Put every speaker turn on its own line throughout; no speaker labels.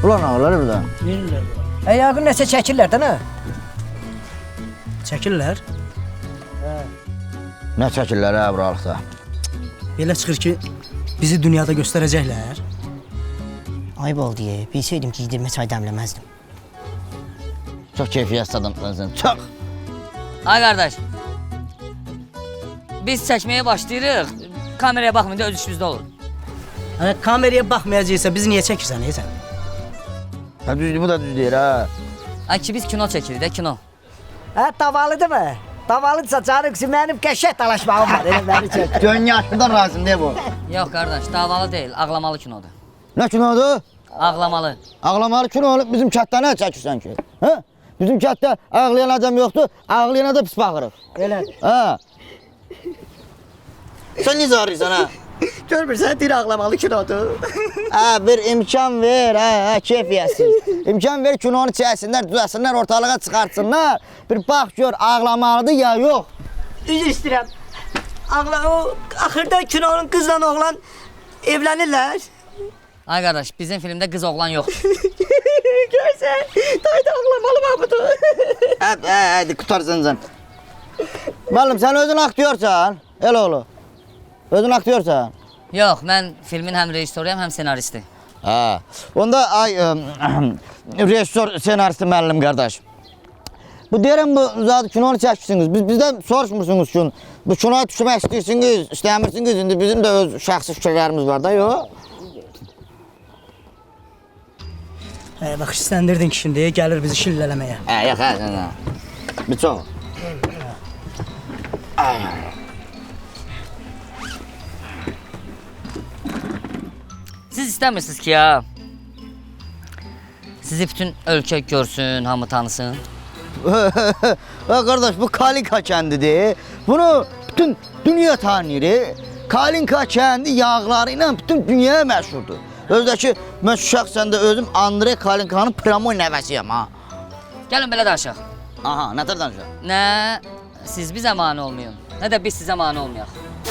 Ulan ağlar burada.
Verirlər. Yaqın nəsə çəkirlər də nə?
Çəkirlər.
Nə çəkirlər hə buralıqda?
Belə çıxır ki, bizi dünyada göstərəcəklər.
Ayıb oldu ye. Bilsəydim ki, yedirmə çay dəmləməzdim.
Çox keyfiyyət adamsın, çox.
Ay qardaş. Biz çəkməyə başlayırıq. Kameraya baxmayın da öz işimizdə olur.
Hani kameraya baxmayacaqsa bizi niyə çəkirsən, sən?
Hə düzdür, bu da düz deyir ha.
Ay ki biz kino çəkirik də kino.
Hə, davalıdır mı? Davalıdırsa canım kızım, mənim qəşəng dalaşmağım var. Elə məni çək.
Gön yaşlıdan razım ne bu?
Yox qardaş, davalı deyil, ağlamalı kinodur.
Nə kinodur?
Ağlamalı.
Ağlamalı kino olub bizim kətdə nə çəkirsən ki? Hə? Bizim kətdə ağlayan adam yoxdur, ağlayana da pis baxırıq.
Elədir.
Ha. Sen necə arıyorsan ha?
Görmürsən, deyir ağlamalı kinodur.
Ha bir imkan ver ha keyfiyyətsiz. İmkan ver kinonu çəksinlər, düzəlsinlər, ortalığa çıxartsınlar. Bir bax gör ağlamalıdır ya yox.
Üzr istəyirəm. O axırda kinonun qızla oğlan evlənirlər.
Ay qardaş, bizim filmdə qız oğlan yoxdur.
Görsən, dayda ağlamalı mı budur?
Hadi qutarsın sen. Malum sen özün aktyorsan, el oğlu. Özün aktyorsan.
Yox, mən filmin həm rejissoruyam, həm senaristi.
Ha. Onda ay rejissor, senaristi müəllim qardaş. Bu deyirəm bu zaten kinonu çəkirsiniz. Bizdən soruşmursunuz ki, bu kinoya düşmək istəyirsiniz, istəmirsiniz. İndi bizim də öz şəxsi fikirlərimiz var da, yox?
Bax, istəndirdin ki, şimdi gəlir bizi şillələməyə.
Yox, hə. Bir çox.
Siz istəmirsiniz ki ya, sizi bütün ölkə görsün, hamı tanısın.
Qardaş bu Kalinka kəndidir. Bunu bütün dünya tanıyır. Kalinka kəndi yağları ilə bütün dünyaya məşhurdur. Özdəki mən şəxsən də özüm Andrey Kalinkanın Pramoy nəvəsiyəm ha.
Gəlin belə danışaq.
Aha, nətər danışaq?
Nə siz bizə mane olmayın, nə də biz sizə mane olmayaq.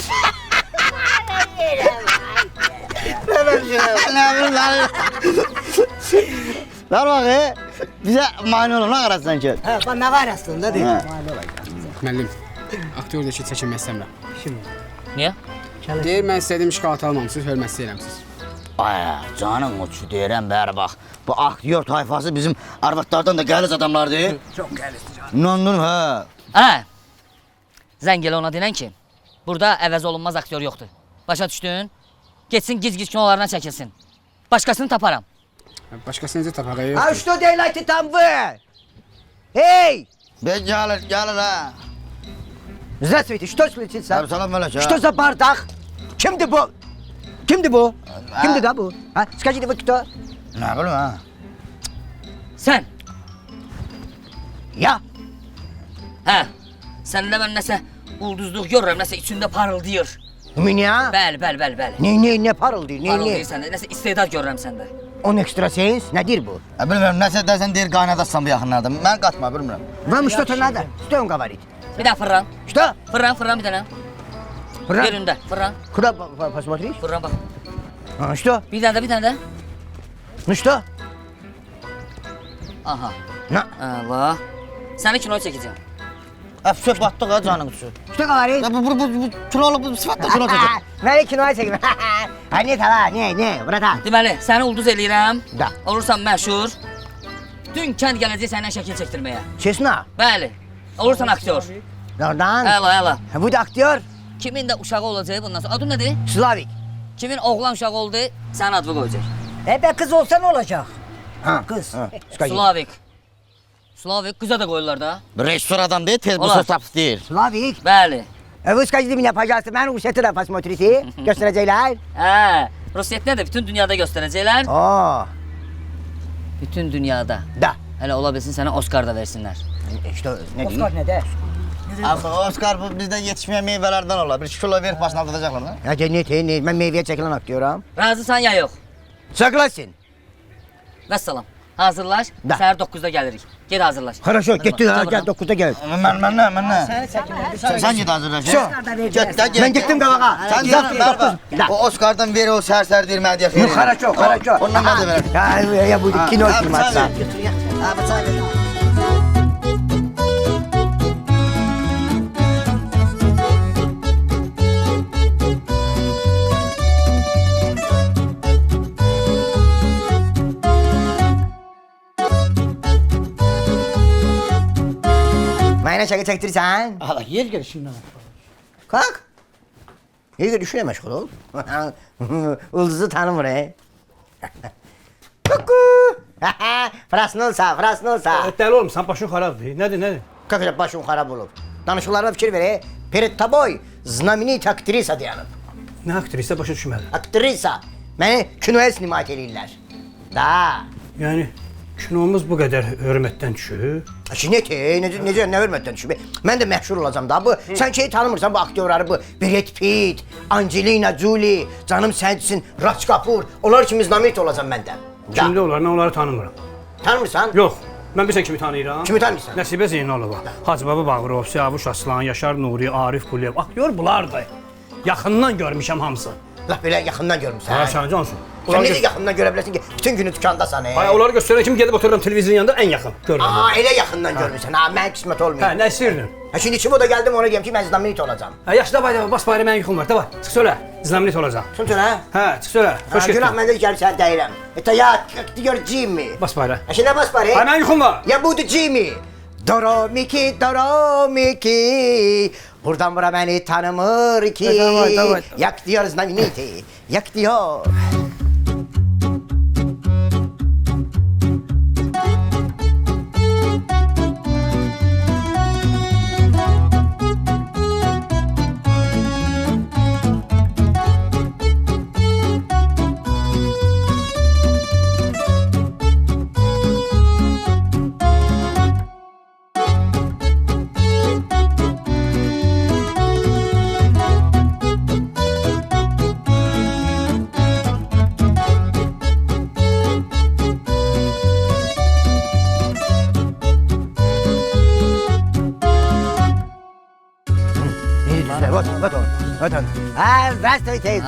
Ver bakayım. Bize mani olun, ne qarasın ki?
Hə, bax nə var aslında deyir.
Müəllim, aktyor da ki, çəkinmək istəmirəm.
Niyə?
Deyir, mən istədiyim şokolat almamışsınız, hörmət istəyirəmsiniz.
Ay, canım o şu deyirəm, bəri bax. Bu aktyor tayfası bizim arvadlardan da gəliz adamlardır.
Çox gəlirdi canım.
İnandım, hə.
Hə, zəng elə ona denən ki, burada əvəz olunmaz aktyor yoxdur. Başa düşdün? Getsin giz-giz kinolarına çəkilsin. Başqasını taparam.
Başqası necə tapaq?
А что делаете там вы? Эй!
Gəlir, hə.
Здравствуйте, что случится?
Abi salam melek,
Что за бардак? Kimdi bu? Kimdi bu? Kimdi da bu? Ha? Скажите, вы кто?
Nə bilim, hə.
Sən,
Я.
hə, səndə mən nəsə ulduzluq görürəm, nəsə içində parıldayır.
У меня?
Bəli, bəli, bəli, bəli.
Ne parıldıyor, ne?
Parıldayır səndə, nəsə istedad görürəm səndə.
On ekstrasens, nedir bu?
Bilmirəm, nəsə dəsən deyir qaynadasan bu yaxınlarda. Mən qatma, bilmirəm.
Вам что-то надо? Что он говорит?
Bir daha fırran,
Что?
fırran bir dənə.
Фран?
Yerində, fırran,
Куда посмотреть?
fırran bax.
А, что?
Bir dənə də.
Ну что?
Aha,
На.
Allah. Səni kinoya çəkəcəm.
Əfsöp batdıq ha canım üçün.
Что говорит?
Bu kilolu, bu sıfatla kilo çəkir.
Beni kinoya çekin. Ha ne tamam, ne, bıratan.
Deməli, səni ulduz eləyirəm.
Da.
Olursan məşhur. Bütün kənd gələcək səndən şəkil çəkdirməyə.
Честно?
Bəli. Olursan aktyor.
Oradan.
Əla.
Bu da aktör.
Kimin də uşağı olacaq bundan sonra. Adın nədir?
Slavik.
Kimin oğlan uşağı oldu, sənin adını qoyacaq.
Be kız olsa ne olacak? Ha kız.
Slavik. Slavik qıza da qoyurlar da.
Rejissor adam deyil, tez bu
Olar.
söz tapsı deyir.
Slavik.
Bəli.
Вы скажите мне, пожалуйста, ben Rusiyatı посмотрите. Gösterecekler.
Hə, Rusiyyət nədir? Bütün dünyada göstərəcəklər.
Oo.
Bütün dünyada.
Da.
Hələ ola bilsin sənə Oscar da versinlər.
İşte ne diyeyim? ne de?
Axı Oscar bu bizdən yetişməyən meyvələrdən olar. Bir kilo verib başına aldıracaqlar da.
Ya ne? Ben meyveye çekilen aktörüm.
Razısan ya yox?
Согласен.
Vəssalam. Hazırlaş.
Da.
Səhər 9-da gəlirik. Ged hazırlaş.
Хорошо, getdik ha,
Gel
gel 9-da gel.
Mən.
Səni çəkinlər.
Sən git hazırlaş. Get də get.
Mən getdim qabağa.
Sən git. O Oscar'dan ver o sərsər vermə deyə xeyir.
Хорошо, хорошо.
Ondan mən də verəm.
Ya bu kino filmatsa.
Abi çay ver.
Mənə çəki çəkdirirsən?
Hala yer gəl şimdi.
Kalk. İyi düşüne meşgul ol. Ulduzu tanımır he. Kuku. Frasnolsa, frasnolsa.
Dəli olmuşsan, başın xarabdır. Nədir?
Kakacak başım xarab olub. Danışıqlarına fikir ver he. Перед тобой знаменитая aktrisa dayanıb.
Nə aktrisa başa düşmədim.
Aktrisa. Məni kinoya sinimat eləyirlər. Da.
Yəni kinomuz bu qədər hörmətdən düşür.
Necə, nə hörmətdən düşüb? Mən də məşhur olacam da. Bu sən şeyi tanımırsan bu aktyorları, bu Brad Pitt, Angelina Jolie, canım sənsin, Raj Kapoor. Onlar kimi znamit olacam mən də. Da.
Kimdə onlar, nə onları tanımıram.
Tanımırsan?
Yox, mən bilirsən kimi tanıyıram?
Kimi tanıyırsan?
Nəsibə Zeynalova, Hacı Baba Bağırov, Siyavuş Aslan, Yaşar Nuri, Arif Quliyev. Aktyor bunlardır. Yaxından görmüşəm hamısı.
Laf belə yaxından görmüsən.
Ha, sən cansın.
Sən necə yaxından görə bilərsən ki, bütün günü dükandasan.
Ay, onları göstərən kimi gedib otururam televizyon yanında ən yaxın görürəm.
Elə yaxından görmüsən. Ha, mən qismət olmuyor.
Hə, nə istəyirdin?
Ha, şimdi kim o da geldim ona diyeyim ki ben znamenit olacağım.
Hə, yaxşı, davay, bas bayram, mənim yuxum var. Davay, çıx söylə. Znamenit olacaq.
Sun söyle.
Hə, çıx söylə. Xoş
Günah
getdin.
məndə gəlib sən deyirəm. Ya diyor Jimmy.
Bas bayram.
Ha, şimdi bas bari.
Ay, mənim yuxum var.
Ya budur Jimmy. Doromiki, Doromiki. Buradan bura beni tanımır ki.
Davay.
Yak diyor znameniti. Yak diyor. Вот он. Здравствуйте.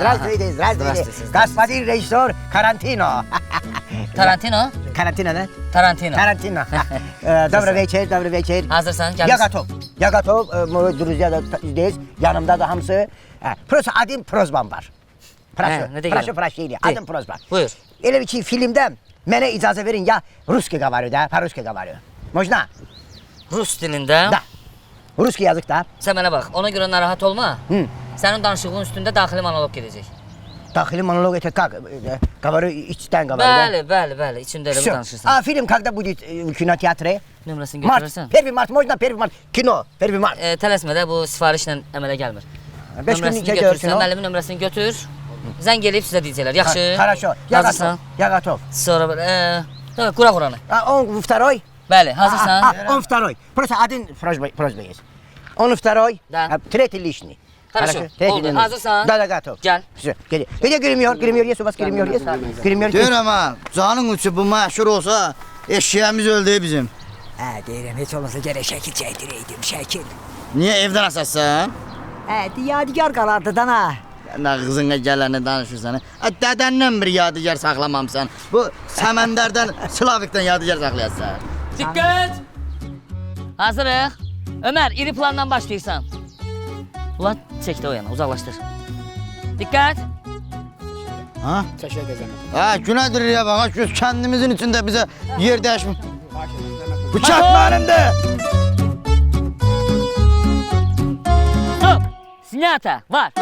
Господин режиссер Карантино.
Tarantino?
Карантино, да?
Tarantino.
Карантино. Добрый вечер.
Hazırsan,
Я
gəlirsən.
готов. Я готов. Мы друзья здесь. Yanımda da hamısı. Просто один просьбам var.
Ne deyirəm?
Прошу прощения. Один просьба.
Buyur.
Elə bir ki filmdə mənə icazə verin ya русский говорю, да, по-русски говорю. Можно?
Rus dilində.
Da. Русский yazık da.
Sən mənə bax, ona görə narahat olma.
Hı.
Sənin danışığın üstündə daxili monoloq gedəcək.
Daxili monoloq это как? Говорю içten говорю, да?
Bəli, içində elə bu
Всё.
danışırsan.
А фильм когда будет в кинотеатре?
Nömrəsini
Март.
götürərsən.
1 Mart, можно 1 Mart. Кино, 1 Mart.
Tələsmə də, bu sifarişlə əmələ gəlmir.
5 gün
Nömrəsini
çəkiyorsun
götürsən,
o.
müəllimin nömrəsini götür. Zəng eləyib sizə deyəcəklər. Yaxşı.
Хорошо. Я готов.
Hazırsan?
Я готов.
Sonra belə, qura quranı.
Он второй?
Bəli, hazırsan?
Он второй. Просто один просьба есть. Он второй,
Да.
третий лишний.
Хорошо.
Третий
Oldu.
лишний.
Hazırsan?
Да, готов.
Gəl.
Все, где гример? Есть у вас гример? Есть? Гример есть?
Deyirəm ha, canın uçu bu məşhur olsa eşyəmiz öldü bizim.
Deyirəm, heç olmasa gərək şəkil çəkdirəydim, şəkil.
Niyə evdən asasın?
Yadigar qalardı dana.
Nə qızına gələni danışırsan. Dədəndən bir yadigar saxlamamısan. Bu Səməndərdən, Slavikdən yadigar saxlayarsan.
Diqqət! Hazırıq. Ömər, iri plandan başlayırsan. Ulan, çək də o yana, uzaqlaşdır. Diqqət!
Ha?
Təşəkkür edirəm.
Ha, günədir ya bax, göz kəndimizin içində bizə yer dəyişmir. Bıçaq mənimdir.
Stop! Снято! Var!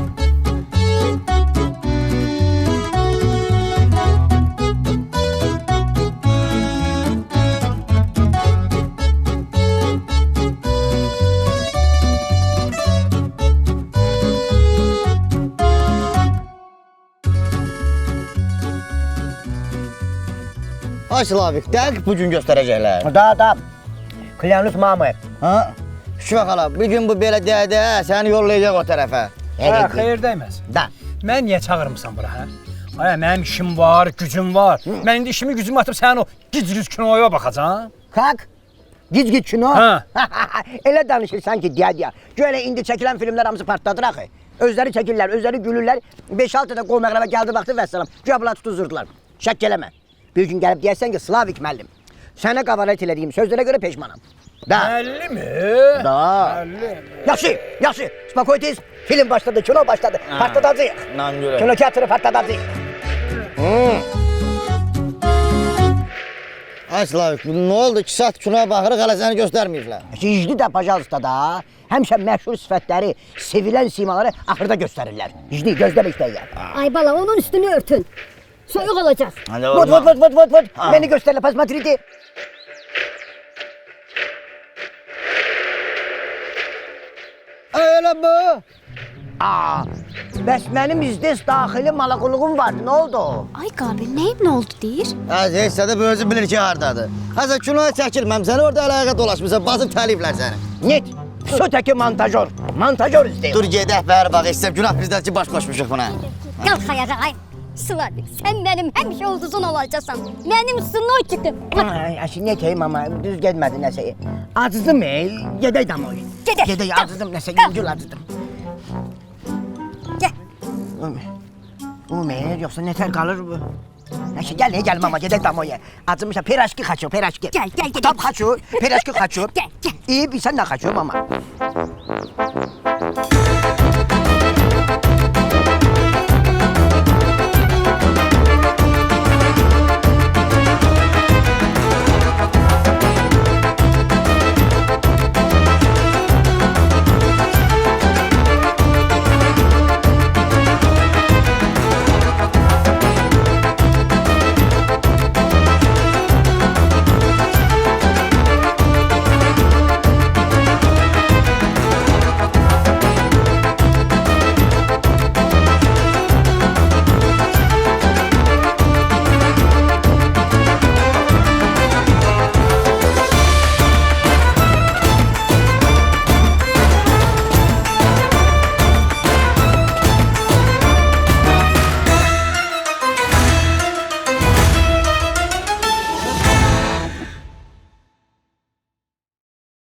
Ay Slavik, dəqiq bu gün göstərəcəklər.
Da. Klyanus mamı.
Ha? Şuna xala, bir gün bu belə dədə səni yollayacaq o tərəfə.
Hə, xeyir dəymez.
Da.
Mən niyə çağırmısan bura, hə? Ay, mənim işim var, gücüm var. Mən indi işimi gücümü atıb sənin o gic-gic kinoya baxacam.
Kalk. Giz kino.
Ha.
Elə danışırsan ki, deyə. Gölə indi çəkilən filmlər hamısı partladır axı. Özləri çəkirlər, özləri gülürlər. 5-6 da qol məqrəbə gəldi vaxtı vəssalam. Güya bunlar tutuzurdular. Şək eləmə. Bir gün gəlib deyərsən ki, Slavik müəllim, sənə qavalat elədiyim sözlərə görə peşmanam. Da.
Belli mi?
Da. Yaxşı, yaxşı. Spakoytiz. Film başladı, kino başladı. Partladacağıq.
Nan görək.
Kino teatrı partladacağıq.
Ay Slavik, nə oldu? 2 saat kinoya baxırıq, hələ səni göstərməyiblər.
Hicdi də pajalsta da. Həmişə məşhur sifətləri, sevilən simaları axırda göstərirlər. Hicdi, gözlə bekləyə.
Ay bala onun üstünü örtün. Soyuq olacaq.
Hadi
Vot, vot, vot, vot, vot, vot. Beni göstərlə, pasmatridi. Öyle bu. Aa, bəs mənim izdes daxili malaquluğum vardı, nə oldu?
Ay Qabil neyim nə oldu deyir?
Heç də bu özü bilir ki, hardadır. Həsən kinoya çəkilməmsən, orada əlaqə dolaşmısan, basıb təliflər səni.
Net, sötəki montajör. Montajör izləyir.
Dur gedək, bəri bax, istəyəm, günah bizdən ki, baş qoşmuşuq buna.
Qalx ayağa ay. Slavik sen benim həmişə ulduzun olacaksın. Benim snoyçikim.
Aşı ne deyim ama düz gelmedi nəsə. Acızdım gedək damoy.
Gedək.
Gedək, acızdım nəsə, yüngül acızdım.
Gel.
Ömer, yoxsa nətər qalır bu? Nəşi, gəl mama, gedək damoya. Acımışam, piraşki xaço, piraşki.
Gel, gel, gel.
Tam xaço, piraşki xaço.
Gel, gel.
İyi, bilsən nə xaço mama?